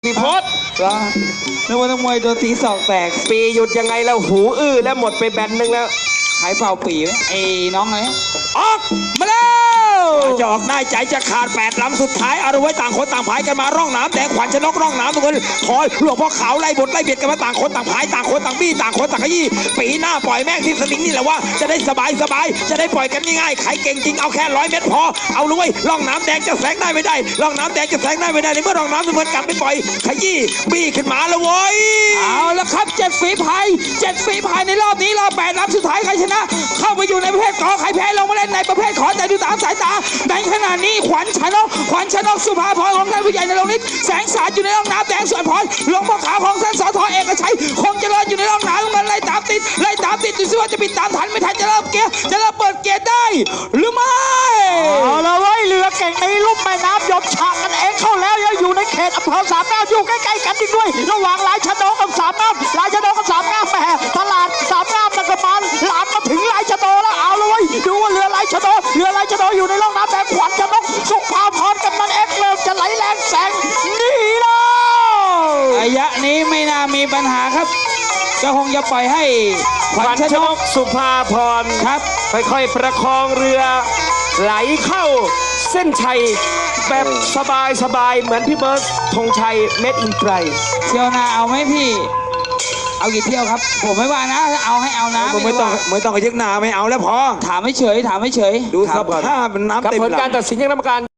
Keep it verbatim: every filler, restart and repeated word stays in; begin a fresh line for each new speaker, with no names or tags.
พี่พศ
แล้วนึกว่านักมวยโดนตีศอกแตก
ปีหยุดยังไงแล้วหูอื้อแล้วหมดไปแบนหนึ่งแล้ว
ขายเป่าปีไหมไอ้น้องอะไร
ออกมาแล้วจะออกได้ใจจะขาดแปดลำสุดท้ายเอาไว้ต่างคนต่างพายกันมาร่องน้ำแดงขวัญชนกร่องน้ำทุกคนคอยหลวงพ่อขาวไล่บทไล่เบียดกันมาต่างคนต่างพายต่างคนต่างบี้ต่างคนต่างขยี้ปีหน้าปล่อยแม่งที่สลิงนี่แหละว่าจะได้สบายสบายจะได้ปล่อยกันง่ายๆใครเก่งจริงเอาแค่ร้อยเมตรพอเอาเลยร่องน้ำแดงจะแซงได้ไม่ได้ร่องน้ำแดงจะแซงได้ไม่ได้ในเมื่อร่องน้ำเหมือนกันไม่ปล่อยขยี้บี้ขึ้นมาแล้วโว้ย
เอาละครับเจ็ดฝีพายเจ็ดฝีพายในรอบนี้รอบแปดลำสุดท้ายใครชนะเข้าไปอยู่ในประเภทกอใครแพ้ลงมาเล่นในประเภทขอแต่ดูตามสายตาในขณะนี้ขวัญชนกขวัญชนกสุภาพรของท่านผู้ใหญ่ในโรงนิดแสงสาดอยู่ในร่องน้ำแดงส่วนพรหลวงพ่อขาวของท่านสทเอกชัยคงจะรออยู่ในร่องน้ำมันไล่ตามติดไล่ตามติดดูสิว่าจะปิดตามทันไม่ทันจะเริ่มเกียร์จะเริ่มเปิดเกียร์ได้หรือไม่
เอาละเว้ยเรือเก่งในลุ่มแม่น้ำยมฉากกันเองเข้าแล้วยังอยู่ในเขตอำเภอสามงามอยู่ใกล้ๆกันอีกด้วยระหว่างลายชะโดกับสามงามลายชะโดกับสามงามแหมตลาดสามงามนักบาลหลานมาถึงลายชะโดแล้วเอาละเว้ยดูว่าเรือลายชะโดเรือลายชะโดอยู่ในร่องน้ำแดงขวัญชนกสุภาพรกำนันเอ็กเริ่มจะไหลแรงแสงนี่แล้ว
ระยะนี้ไม่น่ามีปัญหาครับก็คงจะปล่อยให้
ขวัญชนกสุภาพร
ครับ
ค่อยๆประคองเรือไหลเข้าเส้นชัยแบบสบายๆเหมือนพี่เบิร์ตธงชัยเม็ดอินไตร
เที่ยวหน้าเอาไหมพี่เอากี่เที่ยวครับผมไม่ว่านะเอาให้เอานะ
ไม่ต้องไม่ต้องกระยึกหนาไม่เอาแล้วพอ
ถามไม่เฉยถามไม่เฉย
ดูสภาพน้ำเต็มหลัง
กับผลการตัดสินของกรรมการ